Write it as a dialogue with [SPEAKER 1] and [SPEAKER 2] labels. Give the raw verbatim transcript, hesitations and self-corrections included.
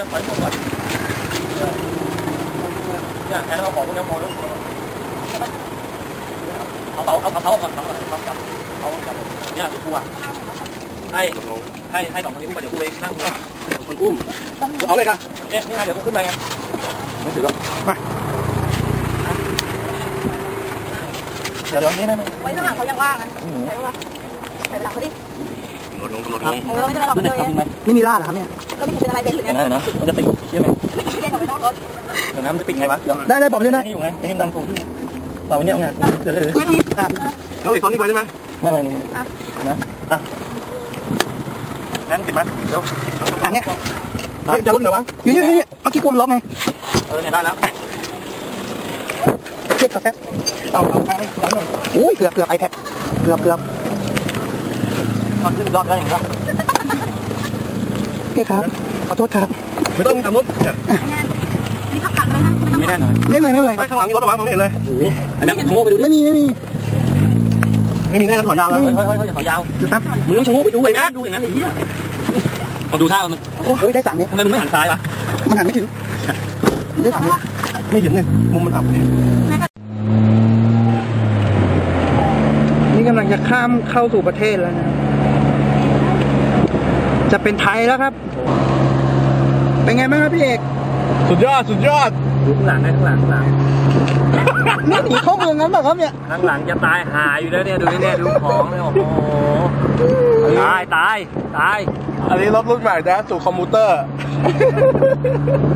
[SPEAKER 1] จะถอยหมดก่อนเนี่ยแทนเราของพวกนี้พอแล้วเอาเอาเอาเอาเอาก่อนเอาก่อนเอาจับเอาจับเนี่ยกูอ่ะให้ให้ให้สองคนนี้กูไปเดี๋ยวกูเองนั่งคนอุ้มเอาเลยครับเอ๊ะนี่ไงเดี๋ยวกูขึ้นไปไงไม่ถือหรอกมาเดี๋ยวเดี๋ยวนี้นะ
[SPEAKER 2] ไว้ข้างหลังเขายังว่างนะใช่ปะใส่หลังเขาดิ
[SPEAKER 1] ลดลงลดลง
[SPEAKER 2] เราไม่ได้เราเลย
[SPEAKER 3] ไม่มีล่าหรอครับเนี่ย
[SPEAKER 2] ก็ไม่เป็นอะไรเป็นหรือไง
[SPEAKER 1] นะนะมันจะติดใช่ไหม
[SPEAKER 2] ไม่ได้ไม่ต้องรถ
[SPEAKER 1] เดี๋ยวน้ำจะติดไงวะ
[SPEAKER 3] ได้ได้บอกด้วยนะ
[SPEAKER 1] นี่อยู่ไงไอ้ดังผมต่อไปเนี่ยไงเดี๋ยวเดี๋ยวเราอีกคนนี้ไปได้ไหมไม่ไม่นะอ่ะงั้นติดไหมเดี๋ยว
[SPEAKER 3] อันเนี้ย
[SPEAKER 1] จะรุ่นเหรอวะ
[SPEAKER 3] อยู่นี่นี่เมื่อกี้กลมล็อกไง
[SPEAKER 1] เออเนี่ยได้แล้ว
[SPEAKER 3] เช็คกับแป๊บเอาเอาไปโอ้ยเกือบเกือบไอแพดเกือบเกือบ
[SPEAKER 1] ตอนขึ้นรอบแล้วอย่างไร
[SPEAKER 3] โอเคครับขอโทษครับ
[SPEAKER 1] ไม่ต้องทำรถ
[SPEAKER 2] นี่พักกันไหมนะ
[SPEAKER 1] ไม่ได้หน่อย
[SPEAKER 3] ไม่เลยไม่เลย
[SPEAKER 1] ไม่ข้างหลังมีรถระวังผมเห็นเลยอันนี้ชะโงกไปดู
[SPEAKER 3] ไม่มีไม่มี
[SPEAKER 1] ไม่มีแน่ถอยยาวแล้วเฮ้ยเฮ้ยเฮ้ยถอยยาว
[SPEAKER 3] ครับ
[SPEAKER 1] มึงต้องชะโงกไปดูไอ้นะดูอย่างนั้นไอ้เหี้ยมาดูท่ามัน
[SPEAKER 3] โอ้ยได้สั่งเนี่ย
[SPEAKER 1] ทำไมมึงไม่หันซ้ายวะ
[SPEAKER 3] มันหันไม่ถึงได้สั่งเนี่ย
[SPEAKER 1] ไม่ถึงเลยมุมมันอับ
[SPEAKER 3] นี่กำลังจะข้ามเข้าสู่ประเทศแล้วนะจะเป็นไทยแล้วครับเป็นไงบ้างครับพี่เอก
[SPEAKER 1] สุดยอดสุดยอดดูข้างหลังนะข้างหลังข้างหลัง
[SPEAKER 3] นี่หนีเข้าเมืองนั้นแบบครับเนี่ย
[SPEAKER 1] ข้างหลังจะตายหายอยู่แล้วเนี่ยดูนี่เนี่ยดูของเนี่ยโอ้โหตายตายตาย
[SPEAKER 4] อันนี้รถรุ่นใหม่นะสู่คอมพิวเตอร์